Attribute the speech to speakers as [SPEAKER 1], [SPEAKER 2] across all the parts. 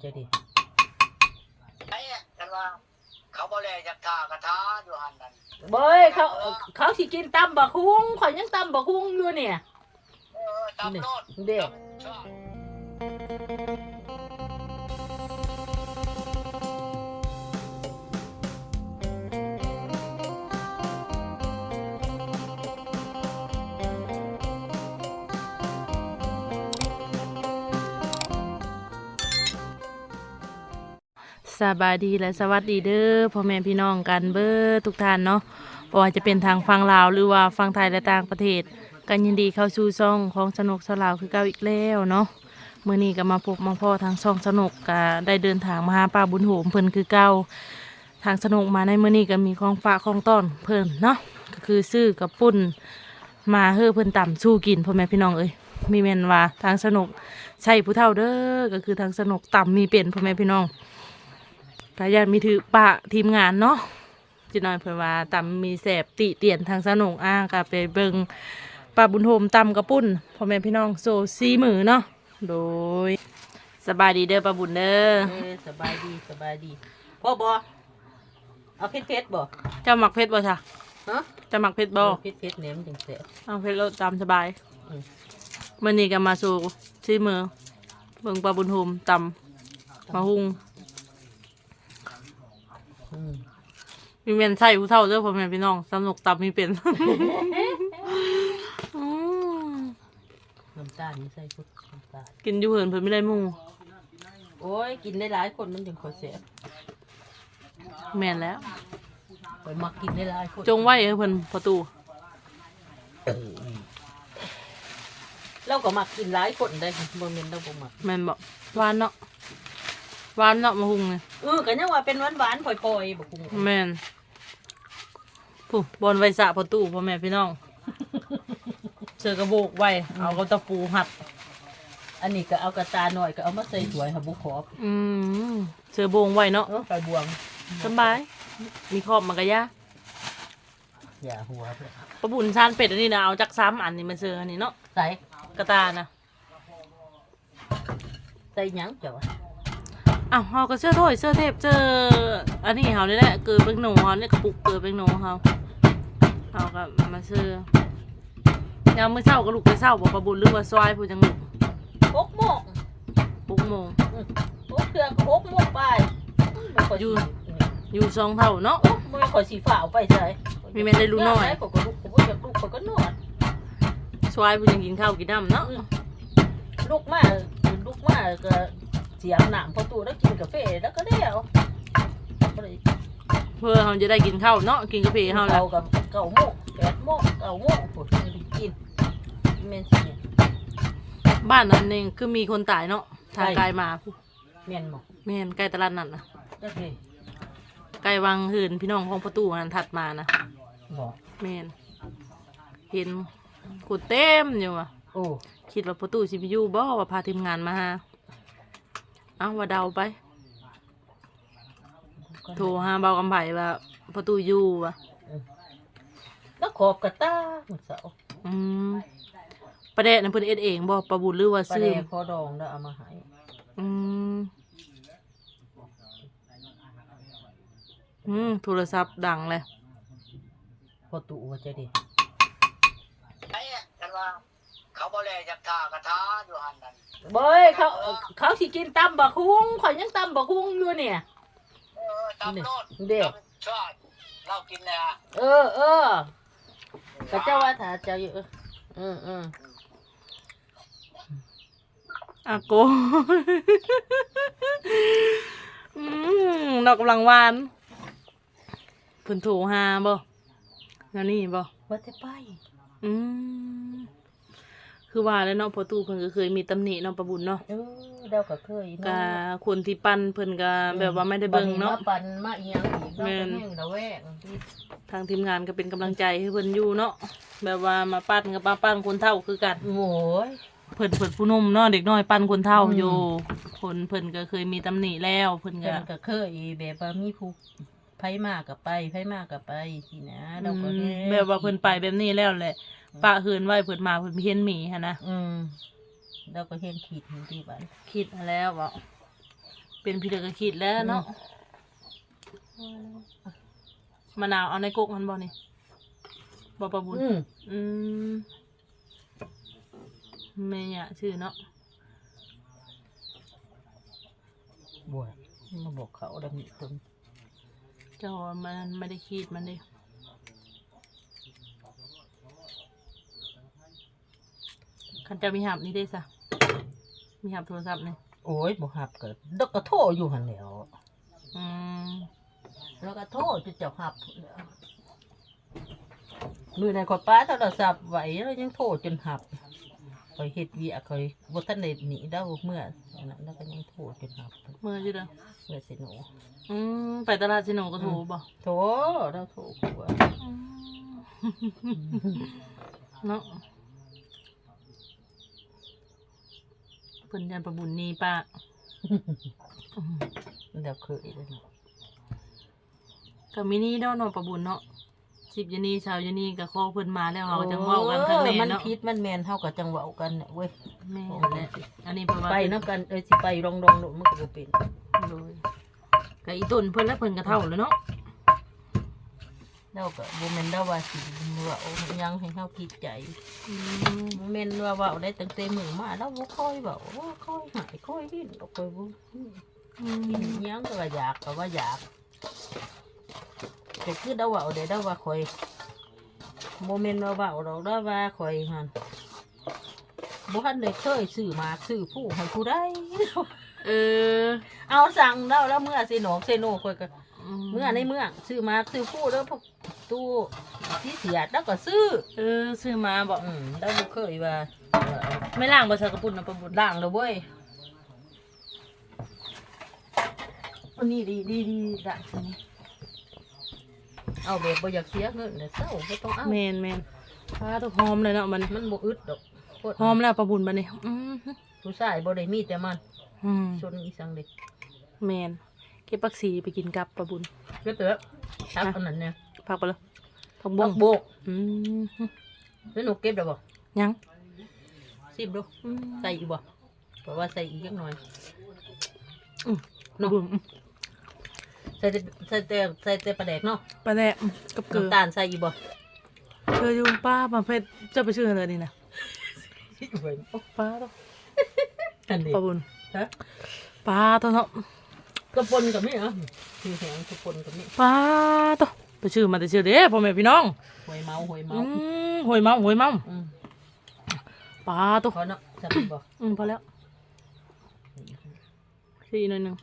[SPEAKER 1] จะดิ
[SPEAKER 2] ไอ้กันว่าเขาบ่แลจากท่ากระทาอยู่หันนั่น
[SPEAKER 1] เบ้ยเขาสิกินตำบักฮุ้งข่อยยังตำบักฮุ้งอยู่เนี่ย
[SPEAKER 2] ตำโลด
[SPEAKER 1] เด็ก
[SPEAKER 3] สบายดีและสวัสดีเด้อพ่อแม่พี่น้องกันเบ้อทุกท่านเนาะบ่ว่าจะเป็นทางฝั่งลาวหรือว่าฝั่งไทยและต่างประเทศกันยินดีเข้าสู่ช่องของสนุกสลาวคือเก่าอีกแล้วเนาะมื้อนี้ก็มาพบมาพ่อทางช่องสนุกก็ได้เดินทางมาหาป้าบุญโหมเพิ่นคือเก่าทางสนุกมาในมื้อนี้ก็มีของฝากของต้อนเพิ่นเนาะก็คือซื้อกับปุ้นมาเฮ้อเพิ่นต่ำสู้กินพ่อแม่พี่น้องเอ้ยมีแม่นว่าทางสนุกใช่ผู้เฒ่าเด้อก็คือทางสนุกต่ำมีเป็นพ่อแม่พี่น้องกายานมีถือปะทีมงานเนาะจีน้อยเพิ่นว่าตำมีแสบติเตียนทางสนุกก็ไปเบิ่งป้าบุญโฮมตำกระปุ้นพ่อแม่พี่น้องโซซีมือเนาะโดยสบายดีเด้อป้าบุญเด้อ
[SPEAKER 1] สบายดีพ่อบอเอาเพชรบ่
[SPEAKER 3] เจ้าหมักเพชรบ่จ้ะ
[SPEAKER 1] ฮะ
[SPEAKER 3] จะหมักเพชรบ่
[SPEAKER 1] เพชรเนี่ยมันถึงแสบ
[SPEAKER 3] เอาเพชรแล้วตำสบายมื้อนี้ก็มาสู่ซีมือเบิ่งป้าบุญโฮมตำมาหุงมีเมนใส่ผู้เฒ่าเด้อพ่อแม่พี่น้องสนุกตับมีเป็น
[SPEAKER 1] น้ำตาลนี่ใส่พุทน้ำตาล
[SPEAKER 3] กินอยู่เหินเพิ่นไม่ได้หมู่
[SPEAKER 1] โอ้ยกินได้หลายคนมันถึงคอยเสีย
[SPEAKER 3] แม่นแล้ว
[SPEAKER 1] ไปมักกินได้หลายคน
[SPEAKER 3] จงไว้เพิ่นประตู
[SPEAKER 1] เราก็มักกินหลายคนได้บ่แม่นเราบ่มัก
[SPEAKER 3] แม่นบ่หวานเนาะหวานเนาะมาหุงเนี่ย
[SPEAKER 1] ก็ยังว่าเป็นหวานๆปล่อยๆบ่คุง
[SPEAKER 3] แม่นผู้บอนไว้สะประตูพ่อแม่พี่น้องเสือกระโบกไว้เอากระตะปูหัด
[SPEAKER 1] อันนี้ก็เอากระตาหน่อยก็เอามาใส่ถ้วยหาบุขอบ
[SPEAKER 3] เสือโบงไว้เนาะ
[SPEAKER 1] ไปบวง
[SPEAKER 3] สบายมีขอบมันก็ย่า
[SPEAKER 1] อย่าหัว
[SPEAKER 3] ปลาบุญชานเป็ดอันนี้นะเอาจัก3 อันนี่มันเสืออันนี้เนาะ
[SPEAKER 1] ใส่
[SPEAKER 3] กระตานะ
[SPEAKER 1] ใส่หยังเจ้า
[SPEAKER 3] อ้าวเขาก็เสื้อถ้วยเสื้อเทปเจออันนี้เขาเนี่ยแหละเกิดเป็นหนูเขาเนี่ยกระปุกเกิดเป็นหนูเขาก็มาเสื้อยามมื้อเช้าก็ลุกไปเช้าบอกประบุญหรือว่าซอยผู้จังหนุก
[SPEAKER 1] 6 โมง
[SPEAKER 3] 6 โมง
[SPEAKER 1] 6 เทื่อก็6 โมงไป
[SPEAKER 3] อยู่2 เท่าเนาะ
[SPEAKER 1] ไม่ค่อยสีฝ่าวไปใช่
[SPEAKER 3] มีแม่ได้รู้น้อย
[SPEAKER 1] ก็ลุกจะลุกก็นอน
[SPEAKER 3] ซอยผู้จังกินข้าวกินน้ำเนาะ
[SPEAKER 1] ลุกมาก็เสียงหนามพอตู้แล้วกินกาแฟแล้วก็เลี้ยว
[SPEAKER 3] เพื่อเขาจะได้กินข้าวเนาะกินกาแฟเขาแล้ว
[SPEAKER 1] กับ9 โมง8 โมง9 โมงปวดกินเมนสิ
[SPEAKER 3] บ้านนั้นเองคือมีคนตายเนาะทางไกลมา
[SPEAKER 1] เมนหมอ
[SPEAKER 3] เมนใกล้ตลาดนั่นนะไกลวังหืนพี่น้องของประตูนั้นถัดมานะเมนเห็นกูเต็มอยู่ว่ะคิดว่าประตูซิบิยูบ่ว่าพาทีมงานมาฮะเอาว่าเดาไปโทรหาเบากำไผ่ว่าประตูอยู่ว่ะ
[SPEAKER 1] แล้วขอบกระตาหมดเสา
[SPEAKER 3] ประเด็นนั้นเพิ่นเอ็ดเองบ่ประบุญหรือว่าซื้อ
[SPEAKER 1] ประเด็นพอดองแล้วเอามาให้
[SPEAKER 3] โทรศัพท์ดังเลย
[SPEAKER 1] พอตู่ว่าจะดิ
[SPEAKER 2] ไอ้กันว่าเขาบ่แลจากท่ากระทาอยู่หันนั่น
[SPEAKER 1] เบ้ยเขาสิกินตำบักฮุ้งข่อยยังตำบักฮุ้งอยู่เนี่ย
[SPEAKER 2] ตำโลดเด็กชอบเรากินแล้ว
[SPEAKER 1] ก็เจ้าว่าถ้าเจ้าอยู่
[SPEAKER 3] อาโกดอกกำลังวานเพิ่นโทรหาบ่แล้วนี่บ่
[SPEAKER 1] ว่าจะไป
[SPEAKER 3] คือว่าแล้วเนาะพอตู้เพิ่นก็เคยมีตำหนิเนาะประบุญเนาะ
[SPEAKER 1] เดาก็เคย
[SPEAKER 3] ก็คนที่ปั้นเพิ่นก็แบบว่าไม่ได้เบิ่งเนาะ
[SPEAKER 1] ปั้นมาอีหยังอีกแม่นระแวง
[SPEAKER 3] ทางทีมงานก็เป็นกำลังใจให้เพิ่นอยู่เนาะแบบว่ามาปั้นกับมาปั้นคนเฒ่าคือกัน
[SPEAKER 1] โอ้ย
[SPEAKER 3] เพิ่นผู้นุ่มเนาะเด็กน้อยปั้นคนเฒ่าอยู่คนเพิ่นก็เคยมีตำหนิแล้วเพิ่น
[SPEAKER 1] ก็เคยแบบว่ามีผู้ไผมากกับไปสินะเราก็
[SPEAKER 3] แบบว่าเพิ่นไปแบบนี้แล้วแหละปะเฮือนไว้เพิ่นมาเพิ่นเห็นหมีหั่นนะ
[SPEAKER 1] เราก็เห็นขีดที่บ้าน
[SPEAKER 3] คิดแล้วบ่เป็นพี่เด็กก็คิดแล้วเนาะมะนาวเอาในกกมันบ่นี่บ่ปะบุญอืมแม่เนี่ยชื่อเนาะ
[SPEAKER 1] บวชมาบอกเขาดำมิตน
[SPEAKER 3] เจ้ามันไม่ได้คิดมันดิคันจะมีหับนี่ได้ซะมีหับโทรศัพท์นี่
[SPEAKER 1] โอ้ยบ่หับก็ดอกกระโทอยู่หันแหล้ว
[SPEAKER 3] อืม
[SPEAKER 1] แล้วก็โทจะเจ้าหับมือในขอป้าโทรศัพท์ไหวแล้วยังโทจนหับคอยเฮ็ดเวียคอยบ่ทันได้หนีเด้าเมื่อนั้นแล้วก็ยังโทจนหับ
[SPEAKER 3] เมื่อจีเด้อ
[SPEAKER 1] เมื่อสิหนู
[SPEAKER 3] ไปตลาดสิโนก็โทรบ่
[SPEAKER 1] โทเราโทกลัว
[SPEAKER 3] เนาะเพิ่นยันประบุญนี่ป้า
[SPEAKER 1] เดี๋ยวเคยเลยเนาะ
[SPEAKER 3] กับมินี่เนาะเนาะประบุญเนาะ10 ยานีชาวยานีกับข้อเพิ่นมาแล้วเฮาก็จังเว้ากันข้างใน
[SPEAKER 1] มัน
[SPEAKER 3] เนาะ
[SPEAKER 1] พิษมันแมนเฮาก็จังเว้ากันเนี่ยเว้ย
[SPEAKER 3] แม่นแหละอันนี้เพราะว่า
[SPEAKER 1] ไปน้ำกันสิไปรองๆโดมันก็บ่เป็น
[SPEAKER 3] โดยกับอีต้นเพิ่นแล้วเพิ่นก็เท่าแล้วเนาะ
[SPEAKER 1] เราก็บ่แม่นว่าสิเว้ายังให้เฮาคิดใจ
[SPEAKER 3] อืม
[SPEAKER 1] บ่แม่นว่าเว้าได้ตั้งแต่มื้อมาเราบ่ค่อยเว้าค่อยหายค่อยดิ้นก็ค่อยบ่กินหยังก็ว่าอยากก็ว่าอยากก็คือเราเว้าได้เราว่าค่อยบ่แม่นว่าเว้าดอกเราว่าค่อยหั่นบ่ทันได้เคยซื้อมาซื้อผู้ให้ผู้ใด
[SPEAKER 3] เออ
[SPEAKER 1] เอาสั่งแล้วเมื่อสิหนองเซโนค่อยก็เมื่อในเมืองซื้อมาซื้อผู้แล้วพวกตู้ที่เสียดแล้วก็ซื้อ
[SPEAKER 3] ซื้อมาบอก
[SPEAKER 1] แล้วบ่เคยว่า
[SPEAKER 3] ไม่ล่างบ่ใส่กระปุ่นนะประบุญ
[SPEAKER 1] ล่างแล้วเว้ยอันนี้ดีด่างนี่เอาแบบบ่อยากเสียเงินเดี๋ยวเศร้าบ่ต้องเอา
[SPEAKER 3] แมนผ้าต้องหอมเลยเนาะมัน
[SPEAKER 1] มันบ่อึดดอกโคตร
[SPEAKER 3] หอมแล้วประบุญบัดนี้
[SPEAKER 1] ผู้ชายบ่ได้มีแต่มัน
[SPEAKER 3] ม
[SPEAKER 1] ชนอีสังเด็ก
[SPEAKER 3] แมนเก็บผักชีไปกินกับประบุญ
[SPEAKER 1] เด้อเด้อทักอันนั้นเนี่ย
[SPEAKER 3] พักไปเลยผักบ
[SPEAKER 1] บั
[SPEAKER 3] ง
[SPEAKER 1] กโบก
[SPEAKER 3] อืม
[SPEAKER 1] แล้วหนูเก็บได้บ่
[SPEAKER 3] ยัง
[SPEAKER 1] ซิมดูใส่อีกบ่เพราะว่าใส่อีกจักหน่อย
[SPEAKER 3] ประบุญ
[SPEAKER 1] ใส่แต่ปลาแดกเนาะ
[SPEAKER 3] ปลาแดกกับเกลือ
[SPEAKER 1] น้ำตาลใส่อีกบ่
[SPEAKER 3] เธออยู่ป้าประเภทจะไปชื่ออะไรนี่นะป้าต้อง
[SPEAKER 1] อันนี้
[SPEAKER 3] ประบุญ
[SPEAKER 1] ฮะ
[SPEAKER 3] ป้าต้องเนาะ
[SPEAKER 1] กระปนกับนี่เหรอมีแหงกระปนกับนี่
[SPEAKER 3] ป้าต้องไปชื่อมาแต่ชื่อเด้พ่อแม่พี่น้อง
[SPEAKER 1] หอยเมา
[SPEAKER 3] หวยเมา
[SPEAKER 1] อืม
[SPEAKER 3] ป้าต้อง
[SPEAKER 1] พอเนาะใส่บ่
[SPEAKER 3] พอแล้วชื่ออีกหน่อยหนึง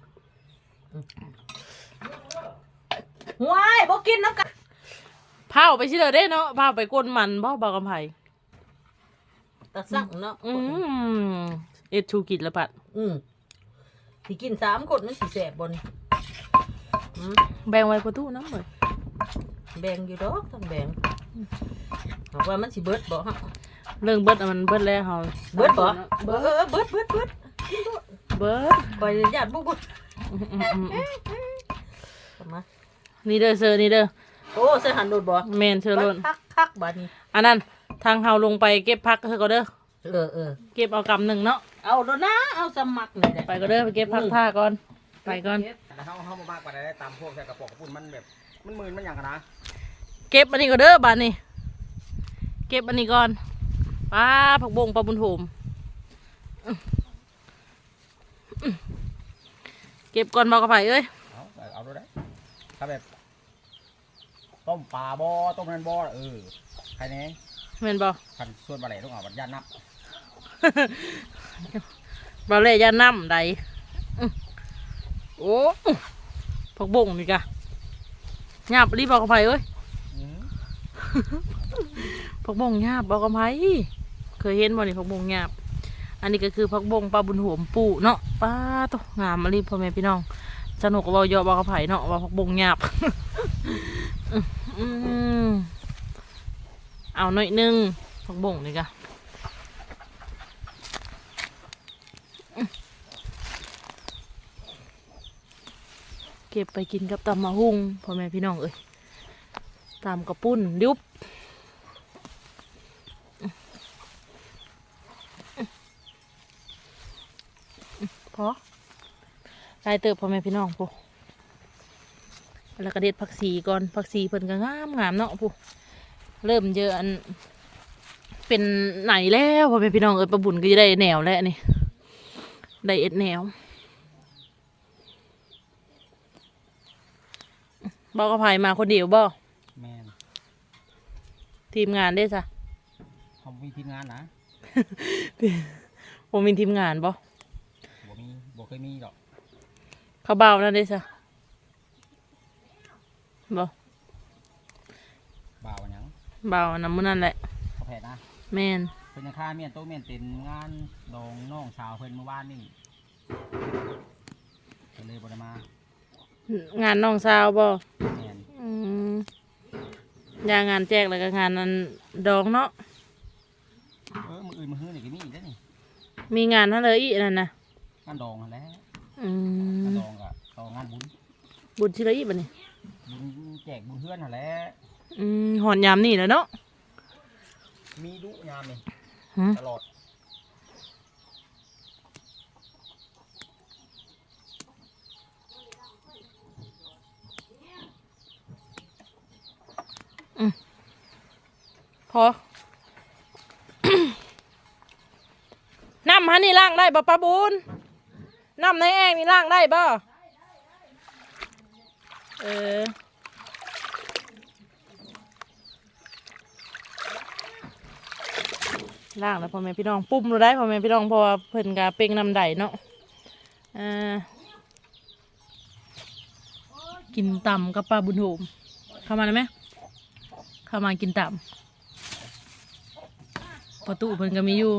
[SPEAKER 1] ว้ายบ่กินน้ำกัน
[SPEAKER 3] เผาไปชื่อเด้เนาะเผาไปก้นมันบ่บอกกำไผ
[SPEAKER 1] ตะสั่งเนาะ
[SPEAKER 3] เอ็ดชูกิจละปัด
[SPEAKER 1] ที่กิน3 คนมันสิแสบบ่นี่
[SPEAKER 3] แบ่งไว้ประตูน้ำเลย
[SPEAKER 1] แบ่งอยู่ดอกทั้งแบ่งบอกว่ามันสิเบิดบ่ฮะ
[SPEAKER 3] เรื่องเบิดอะมันเบิดแล้วเฮา
[SPEAKER 1] เบิดบ่เบิดกินโลด
[SPEAKER 3] เบิด
[SPEAKER 1] ปล่อยญาติบ่บ่มา
[SPEAKER 3] นี่เด้อเซอร์นี่เด้อ
[SPEAKER 1] โอ้ใส่หันโดดบ่
[SPEAKER 3] แมนเชอร์โลน
[SPEAKER 1] คักบัดนี้
[SPEAKER 3] อันนั้นทางเฮาลงไปเก็บพักเธอก็เด้อ
[SPEAKER 1] เออ
[SPEAKER 3] เก็บเอากำหนึ่งเนาะ
[SPEAKER 1] เอาโดนนะเอาสมัครนี่แหละ
[SPEAKER 3] ไปก็เด้อไปเก็บพักท่าก่อนไปก่อน
[SPEAKER 4] แต่เขามากกว่าได้ตามพวกใส่กระป๋องกระปุ่นมันแบบมันมืนมันอย่างกันนะ
[SPEAKER 3] เก็บอันนี้ก็เด้อบานนี่เก็บอันนี้ก่อนป้าผักบงปลาบุญโหมเก็บก่อนบอกกระไผ่เอ้ย
[SPEAKER 4] เอาดูได้ถ้าแบบต้มปลาบ่อต้มนันบ่อใครเนี้ย
[SPEAKER 3] แม่นบ่
[SPEAKER 4] พันส่วนปลาไหลต้องเอาบัดยันนับ
[SPEAKER 3] บาเล่ยาน้ำใดโอ้ผักบงนี่กะหยาบรีบบอกกระไผ่เอ้ยผักบงหยาบบอกกระไผ่เคยเห็นบ่นี่ผักบงหยาบอันนี้ก็คือผักบงปลาบุญโหมปูเนาะป้าตกงามมารีพ่อแม่พี่น้องสนุกกับเราเยอะบอกกระไผ่เนาะว่าผักบงหยาบ เอาหน่อยนึงผักบงนี่กะเก็บไปกินกับตำมะฮุ่งพ่อแม่พี่น้องเอ้ยตามกระปุ้นยุบพอลายเติบพ่อแม่พี่น้องผู้แล้วก็เด็ดผักชีก่อนผักชีเพิ่นก็งามงามเนาะผู้เริ่มเยอะอันเป็นไหนแล้วพ่อแม่พี่น้องปลาบุญก็จะได้แนวแล้วนี่ได้เอ็ดแนวบอกกับไผมาคนเดียวบ่
[SPEAKER 4] แม่น
[SPEAKER 3] ทีมงานได้จ้ะ
[SPEAKER 4] เขามีทีมงานนะ
[SPEAKER 3] ผมมีทีมงานบ่
[SPEAKER 4] บ่เคยมีหรอก
[SPEAKER 3] เขาเบานั่นได้จ้ะบ่
[SPEAKER 4] บ่าวหยัง
[SPEAKER 3] เบาน้ำมันนั่นแหละ
[SPEAKER 4] เขาแผดนะ
[SPEAKER 3] แม่น
[SPEAKER 4] เพิ่นยังค่าเมียนโตเมียนเต็นงานดองน้องชาวเพิ่นเมื่อวานนี่ก็เลยบ่ได้มาง
[SPEAKER 3] านน้องสาวบ่
[SPEAKER 4] แม่น
[SPEAKER 3] อืมยางานแจกแล้วก็งานนั้นดองเนาะ
[SPEAKER 4] มื้ออื่นมื้อฮื้อนี่ก็มีอีกเด้อนี่
[SPEAKER 3] มีงานนั่นเลยอีกนั่นนะ
[SPEAKER 4] งานดองนั่นแหละ
[SPEAKER 3] อื
[SPEAKER 4] งาน
[SPEAKER 3] ม
[SPEAKER 4] ดองก็ต่องานบุญ
[SPEAKER 3] บุญที่ละอีกบ่นี่
[SPEAKER 4] บุญแจกบุญเฮือนนั่นแหละ
[SPEAKER 3] หอนยามนี่แหล้วเนาะ
[SPEAKER 4] มีดุยามนี่
[SPEAKER 3] หืม
[SPEAKER 4] ตลอด
[SPEAKER 3] พอ น้ำฮันนี่ล้างได้บ่ปะบุญน้ำในแอ่งนี่ล้างได้บ่เออล้างแล้วพ่อแม่พี่น้องปุ่มเราได้พ่อแม่พี่น้องเพราะว่าเพิ่นกะเป่งน้ำใดเนาะกินต่ำกับปลาบุญโฮมเข้ามาได้ไหมเข้ามากินต่ำประตูเพิ่นก็มีอยู่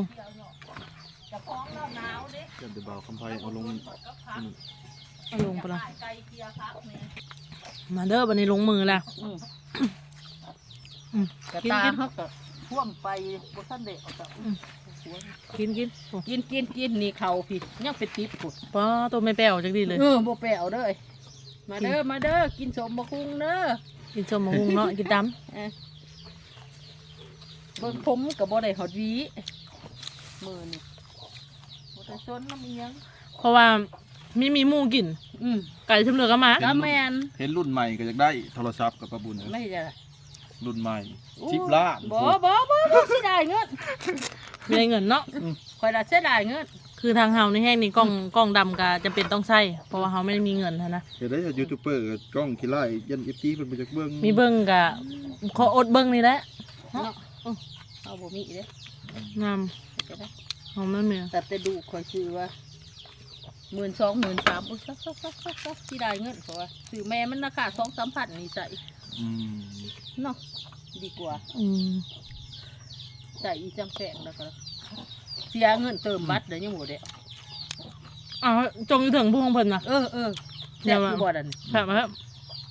[SPEAKER 5] เดี๋ยวเบาคำไพเอาลง
[SPEAKER 3] เอาลงไปละมาเด้อบันนี้ลงมือแล้ว
[SPEAKER 1] กระตาเขาก็ท่วมไปบ่ทันได้เอากลับ
[SPEAKER 3] กินโอ้
[SPEAKER 1] กินนี่เขาพี่ยังเป็นติ๊บพุ่น
[SPEAKER 3] ป้าตัวไม่แป้วจักดีเลย
[SPEAKER 1] บ่แปลวเด้อมาเด้อกินสมบะคุงเด้อ
[SPEAKER 3] กินส้มมะฮุงเนาะกินด
[SPEAKER 1] เบิ่งผมกับบ่ได้หอดหวีมือนี่บ่ได้ซนน้ำอีหยัง
[SPEAKER 3] ำเพราะว่ามีหมูกิน ไก่ชมเหลือก็มา
[SPEAKER 1] ก็แม่น
[SPEAKER 5] เห็นรุ่นใหม่ก็อยากได้โทรศัพท์กับประบุญ
[SPEAKER 1] ไม่จะ
[SPEAKER 5] รุ่นใหม่
[SPEAKER 1] อู้
[SPEAKER 5] 10 ล้าน
[SPEAKER 1] บ่สิได้เงิน
[SPEAKER 3] ไม่ได้เงินเนาะ
[SPEAKER 1] ข่อยละเสียดายเงิน
[SPEAKER 3] คือทางเฮาในแห้งนี่กล้องดำก็จะเป็นต้องใช้เพราะว่าเฮาไม่ได้มีเงินหั้นนะ
[SPEAKER 5] เห็นได้ยูทูบเบอร์กล้องขี้ไล่ยัน FT เพิ่นไปจากเบิ่ง
[SPEAKER 3] มีเบิ้งกะขออดเบิ้งนี่แหละ
[SPEAKER 1] เนาะเอาบ่มีเด้
[SPEAKER 3] งาม
[SPEAKER 1] จะได้
[SPEAKER 3] เฮาไม่มี
[SPEAKER 1] แต่ดูข่อยซื้อว่า12,000 13,000อุ๊ยซักสิได้เงินเพราะว่าซื้อแม่มันราคา 2-3 พันนี่ใส่
[SPEAKER 5] อืม
[SPEAKER 1] เนาะดีกว่า ใส่อีจังแพงแล้วก็เสียเงินเติมบัตรเดี๋ยวยังบ่ได้
[SPEAKER 3] อ้าวจงอยู่ถึงผู้ของเพิ่นนะ
[SPEAKER 1] เดี๋ยวบ่ดัน
[SPEAKER 3] ครับมาครับ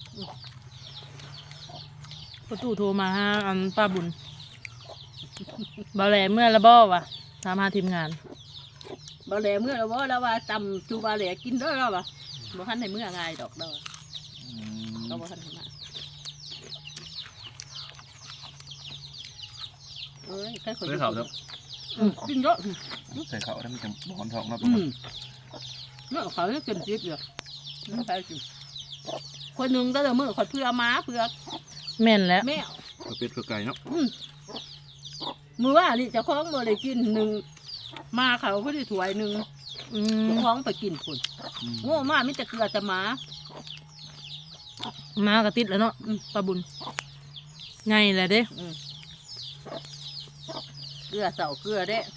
[SPEAKER 3] ประตูโทรมาหาอันป้าบุญบ่แลเมื่อละบ่วะถามหาทีมงาน
[SPEAKER 1] บ่แลเมื่อแล้วบ่แล้วว่าตำจูบ่แลกินเด้อแล้วว่าบ่ทันได้เมื่อง่ายดอกเด้อ
[SPEAKER 5] อืม
[SPEAKER 1] ก็บ่ทันได้มาใคร
[SPEAKER 5] ได้ข่าวแล้ว
[SPEAKER 1] กินเยอะ
[SPEAKER 5] ใส่ข้าวได้มันจะบอนท้องเนาะ
[SPEAKER 1] เนาะเขาเนี่ยกินจิบอยู่นั่นไปกินคนหนึงก็เลยมื้อขอเพื่อม้าเพื่อ
[SPEAKER 3] แม่นแล้ว
[SPEAKER 1] แมว
[SPEAKER 5] กระเป็ดกระไก่เนาะ
[SPEAKER 1] มื้อว่านี่เจ้าของบ่ได้กินหนึ่งมาเขาก็ได้ถ้วยหนึง เจ้าของไปกินพุ่น
[SPEAKER 5] อืม
[SPEAKER 1] โง่มากมิแต่เกลือแต่หมา
[SPEAKER 3] มากระติดแล้วเนาะป้าบุญไงแหละเด้
[SPEAKER 1] เกลือเสาเกลือเด้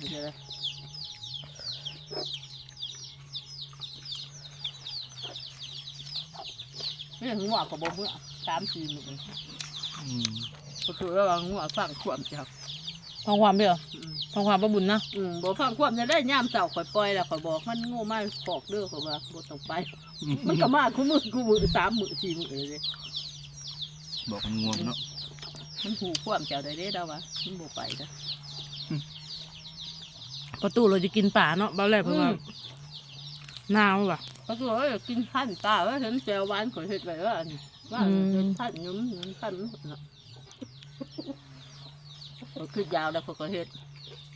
[SPEAKER 1] เนี่ยหัวกับบ่เมื่อ3-4 มื้อ
[SPEAKER 5] อืม
[SPEAKER 1] ก็คือระหว่างหัวฟังความจับ
[SPEAKER 3] ฟังความเด้อฟังความป้าบุญนะ
[SPEAKER 1] บ่ฟังความจะได้ย่ามเสาข่อยปล่อยแล้วข่อยบอกมันโง่มากขอกเด้อข่อยว่าบ่ต้องไป มันก็มาคู่มือ3 มื้อ 4 มื้อเลยเด้
[SPEAKER 5] บอกมันง่วงเนาะ
[SPEAKER 1] มันหูความเจ้าได้เด้ดาววะมันบ่ไปเด้อ
[SPEAKER 3] ประตูเราจะกินป่าเนาะบ้าแรกเพราะว่าหนาวว่ะ
[SPEAKER 1] ก็คือว่ากินพันตาว่าเห็นแจวหวานข่อยเฮ็ดไว้ว่าว่าเห็นพันยุ่มพันเนาะก็คือยาวแล้วเขาก็เฮ็ด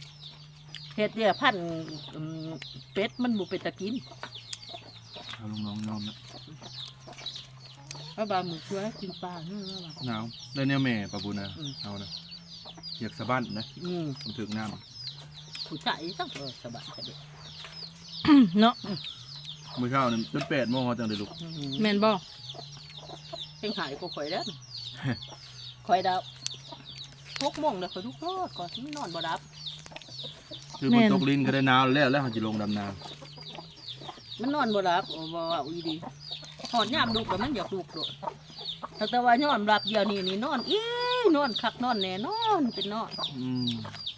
[SPEAKER 1] เนี่ยพันเป็ดมันบ่เป็นตะกิน
[SPEAKER 5] เอาลุงน้องยอมนะ
[SPEAKER 1] ปลาบาหมึกช่วยกินปลาเนื้อละ
[SPEAKER 5] หนาวได้เนี่ยแม่ปะบุญนะ
[SPEAKER 1] อืม
[SPEAKER 5] เอานะอยากสะบั้นนะ มันถึงน้
[SPEAKER 1] ผู้ชายต้องสบายจะเด็ก
[SPEAKER 3] เนาะ
[SPEAKER 5] ำมื้อเช้านี่จน8 โมงเขาจังได้ลุก
[SPEAKER 3] แม่นบ่
[SPEAKER 1] เพ่งหายก็ข่อยแล้วข่อยดาว6 โมงแล้วข่อยทุกรอดก่อนที่นอนบ่รับ
[SPEAKER 5] คือฝนตกลิ้นก็ได้หนาวแล้วเขาจะลงดำนา
[SPEAKER 1] มันนอนบ่รับบ่ว่าอีดีหอดยามดุกแล้วมันอยากดุกโดดแต่ว่านอนรับเดียวนี่นอนนอนคักนอนแน่นอนเป็นนอน
[SPEAKER 5] อืม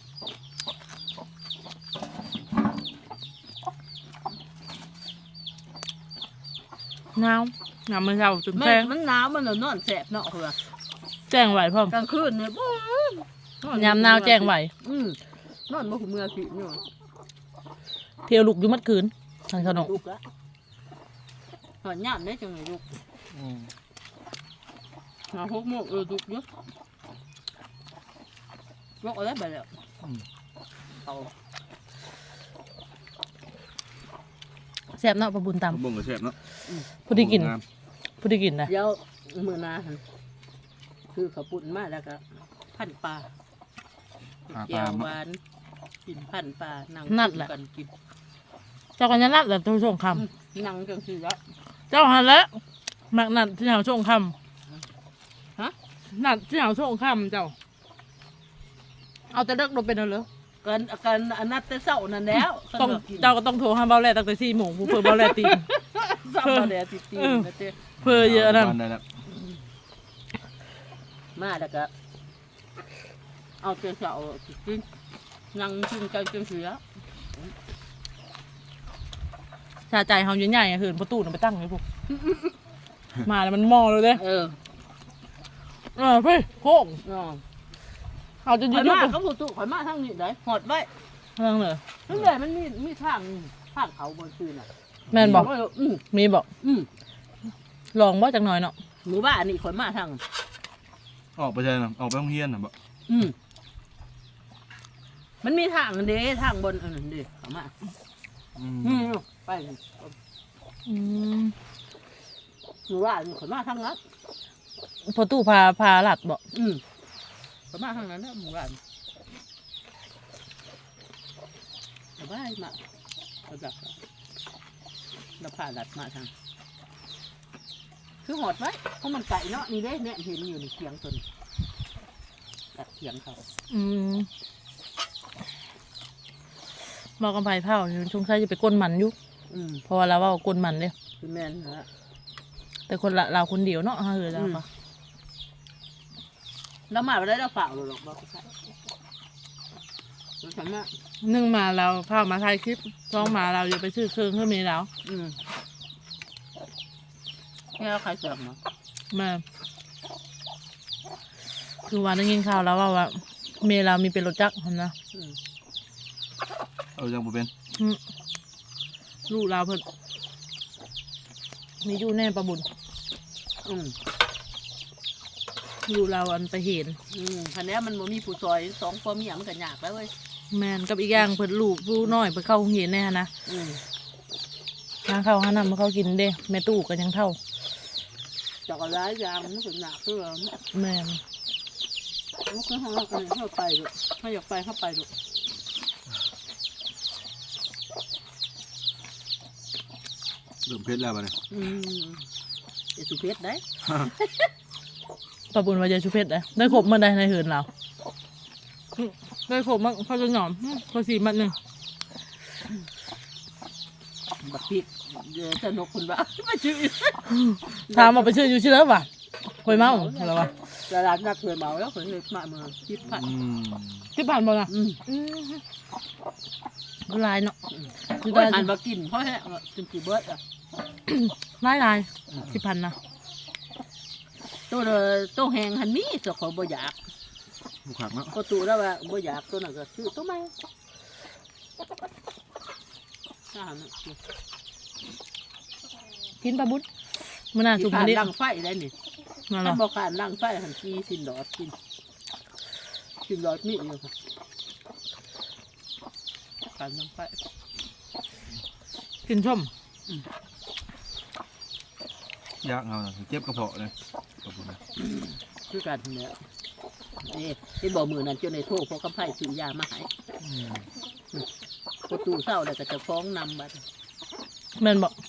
[SPEAKER 3] หนาวหนาวมื้อเช้าจน
[SPEAKER 1] แม่
[SPEAKER 3] แจ้ง
[SPEAKER 1] มันหนาวมันนอนแสบเนาะเพื่อ
[SPEAKER 3] แจ้งไหวพร้อม
[SPEAKER 1] กลางคืนเนี่ยบ่
[SPEAKER 3] ยามหนาวแจ้งไหวน
[SPEAKER 1] อนบ่หูเมื่อสิเนาะ
[SPEAKER 3] เที่ยวลุกอยู่มัดคืนทางขนม
[SPEAKER 1] ดุกละหอดยามได้จังไงดุก
[SPEAKER 5] อืม
[SPEAKER 1] 6 โมงดุกเยอะบอกอะไรไปแล้วเอา
[SPEAKER 3] แซ่บเนาะปลาบุญตำ
[SPEAKER 5] บ่งก็แซ่บเนาะ
[SPEAKER 3] ผู้ที่กิน
[SPEAKER 5] งาม
[SPEAKER 3] ผู้ที่กินนะ
[SPEAKER 1] เดี๋ยวมื้อหน้าหั่นคือข้าวปุ้นมาแล้วก็พันปลา
[SPEAKER 5] หาป
[SPEAKER 1] แก้
[SPEAKER 5] ลาว
[SPEAKER 1] หวานกินพันปลานั่งกันกิน
[SPEAKER 3] เจ้ากันยันนัดแล้วต้องส่งค
[SPEAKER 1] นั่งจังซี่ละ
[SPEAKER 3] ำเจ้าหันแล้วมักนัดที่เหาส่งค
[SPEAKER 1] ฮะ
[SPEAKER 3] ำนัดที่เหาส่งคำเจ้า เอาแต่เลิกลงเป็นเอาเลย
[SPEAKER 1] กันอันนั้นแต่เช้านั่นแล้ว
[SPEAKER 3] ต้องเจ้าก็ต้องโทรหาเบาแรตั้งแต่4 โมงผู้เพื่อเบาแรตีน
[SPEAKER 1] เช้ามาแล้วติๆนะเจ้
[SPEAKER 3] เพื่อเยอะนั่น
[SPEAKER 5] บ้าได้แล้ว
[SPEAKER 1] มาแล้วก็เอาแต่เช้ากินนั่งกินกันจังซี่ละ
[SPEAKER 3] ชาใจเฮาใหญ่ๆอะเหินประตูน่ะไปตั้งไว้พวก มาแล้วมันมอเลยเด้
[SPEAKER 1] เออ
[SPEAKER 3] เพ่โค้ง
[SPEAKER 1] อ๋อ
[SPEAKER 3] เอาจะ
[SPEAKER 1] ข่
[SPEAKER 3] ยื
[SPEAKER 1] อย
[SPEAKER 3] ดยุ
[SPEAKER 1] มา
[SPEAKER 3] บ
[SPEAKER 1] ก็บ่ตุข่อยมาทางนี้ได้หอดไว้
[SPEAKER 3] เรื่องเลย
[SPEAKER 1] นั่นแหละมันมีทางเขาบนคืนน่ะ
[SPEAKER 3] แม่นบอก
[SPEAKER 1] อืม
[SPEAKER 3] มีบอก
[SPEAKER 1] อืม
[SPEAKER 3] ลองบ่จักหน่อยเนาะ
[SPEAKER 1] หมู่บ้านนี่ข่อยมาทาง
[SPEAKER 5] ออกไปใช่นะออกไปโรงเรียนน่ะบ่
[SPEAKER 1] อืมมันมีทางเด้ทางบนอันนั้นเด้เขามา
[SPEAKER 5] อืม
[SPEAKER 1] อืมไป
[SPEAKER 3] อืม
[SPEAKER 1] หมู่บ้านนี่ข่อยมาทางนั้น
[SPEAKER 3] พอตู้พาหลัดบอก
[SPEAKER 1] อืมข่อยมาทางนั้นนะหมู่บ้านสบายมากเขาจับแล้วพาลัดมาทางคือหอดไว้เพราะมันไก่เนาะนี่เด้เนี่ยเห็นอยู่ในเถียงตัวนี้ตัดเถียงเขา
[SPEAKER 3] อืมบอกกันไปเผาอยู่ช่วงใช้จะไปก้นมันอยู่
[SPEAKER 1] อืม
[SPEAKER 3] เพราะว่าเราว่าก้นมันเด้
[SPEAKER 1] คือแม่นฮะ
[SPEAKER 3] แต่คนละเราคนเดียวเนาะเฮ้ยเราปะ
[SPEAKER 1] แล้วมาไปได้เราฝากหรอกบอกใช่ฉันน่ะ
[SPEAKER 3] นึ่งมาเราเผามาถ่ายคลิปช่องมาเราอยู่ไปซื้อเครื่องเพื่อมีแล้ว
[SPEAKER 1] อืมนี่เราใครเสิร์ฟมา
[SPEAKER 3] มาคือวันได้ยินข่าวแล้วว่าเมย์เรามีเป็นรถจักรเห็นนะ
[SPEAKER 1] อืม
[SPEAKER 5] เอาจังบ่เป็น
[SPEAKER 3] ลูกเราเพิ่นมีอยู่แน่ประบุญ
[SPEAKER 1] อืม
[SPEAKER 3] ลูกเราอันไปเห็น
[SPEAKER 1] คันนี้มันบ่มีผู้ซอยสองพ่อเมียมันก็ยากแล้วเว้ย
[SPEAKER 3] แมนกับอีกอย่างเพิ่นลูกผู้น้อยเพิ่นเข้าโรงเรียนแน่นะ
[SPEAKER 1] อืม
[SPEAKER 3] ทางเข้าหานำมาเข้ากินเด้แม่ตู้ก็ยังเท่า
[SPEAKER 1] จากอะไรอย่างมันก็ยากคือว่า
[SPEAKER 3] แม่น
[SPEAKER 1] มันคือห้องเรากันเข้าไปดูถ้าอยากไปเข้าไปดู
[SPEAKER 5] เริ่มเพชรแล้วบัดนี้
[SPEAKER 1] จะสุเพชรได้
[SPEAKER 3] ประบุญว่าจะชุเพชรได้ครบเมื่อใดในเหินเราได้ครบมันเขาจะหนอมเขาสีมันหนึ่ง
[SPEAKER 1] บักพริกเดี๋ยวจะนกคุณบ้าไม่ชื่อ
[SPEAKER 3] ถามมาไปชื่ออยู่ชื่อแล้วป่ะคอยเมาอะไรวะ
[SPEAKER 1] ตลาดนัดเคยเมาแล้วเคยมาเมืองคิดผัด
[SPEAKER 5] อืม
[SPEAKER 3] ที่ผ่านมาน่ะ
[SPEAKER 1] อืม
[SPEAKER 3] ลายเนาะ
[SPEAKER 1] คือการหันมากินเพราะแห้งกินกี่เบิร์ดอ่ะ
[SPEAKER 3] ลายที่ผ่านนะ
[SPEAKER 1] ตัวแหงหันมีตัวเขาบ่อยาก
[SPEAKER 5] บุกขักเนาะ
[SPEAKER 1] ก็ตัวแล้วว่าบ่อยากตัวนั้นก็ซื้อตัวใหม่ถ้าหัน
[SPEAKER 3] กินปลาบุญมื่อหน้าสุก
[SPEAKER 1] ขา
[SPEAKER 3] มา
[SPEAKER 1] ด
[SPEAKER 3] ดิ
[SPEAKER 1] ลังไฟได้นี่
[SPEAKER 3] มาหร
[SPEAKER 1] ถ้า
[SPEAKER 3] อ
[SPEAKER 1] บอกขาดลังไฟหันกีสินดอดกินสินดอดมีอยู่ค่ะขาดลังไฟ
[SPEAKER 3] กินชม
[SPEAKER 5] ยากเอาเจ็บกระเพาะเลยขอบคุณนะ
[SPEAKER 1] คือกันเนี่ยนี่ที่บอกมือนั้นจนในโทษเพราะกำไพ่ซื้อยามาให้ประตูเศร้าแล้วก็จะฟ้องนำบัด
[SPEAKER 3] แม่นบอก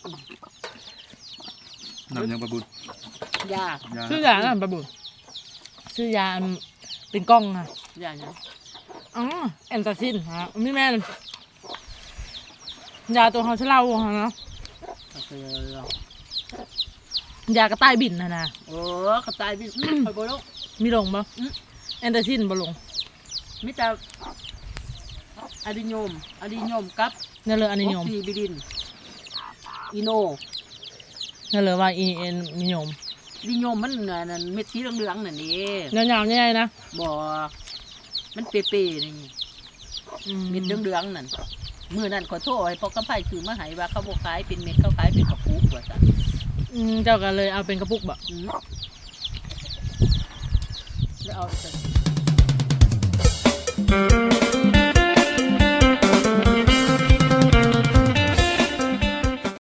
[SPEAKER 5] นำยังประบุญ
[SPEAKER 1] ยา
[SPEAKER 3] ชื่อยาอะไรประบุชื่อยาอันเป็นกล้องค่ะ
[SPEAKER 1] ยาเนี่ย
[SPEAKER 3] อ๋อแอนตาซินฮะไม่แม่นยาตัวเขาชะเล่าค่ะเนาะ
[SPEAKER 1] ก็คือ
[SPEAKER 3] ยากระต่ายบินนะ
[SPEAKER 1] โอ้กระต่ายบินคอยโบโลก
[SPEAKER 3] มีลงปะแอนตาซินบ่ลง
[SPEAKER 1] มิตรอะดิโยมกับ
[SPEAKER 3] นั่นเลยอันนิยม
[SPEAKER 1] ออกซิบิดินอีโน
[SPEAKER 3] นั่นเลยว่าอีเอ็นนิยม
[SPEAKER 1] ดิโยมมันนั่นเม็ดสีเหลืองๆนั่นนี่
[SPEAKER 3] ยาวๆใหญ่ๆนะ
[SPEAKER 1] บ่มันเปรี้ยๆนี่เม็ดเหลืองๆนั่นมือนั่นขอโทษให้พอกำไพ่ซื้อมาให้ว่าเขาบ่ขายเป็นเม็ดเขาขายเป็นกระปุกว่าซั่น
[SPEAKER 3] เจ้าก็เลยเอาเป็นกระปุกบ่
[SPEAKER 1] แล้วเอา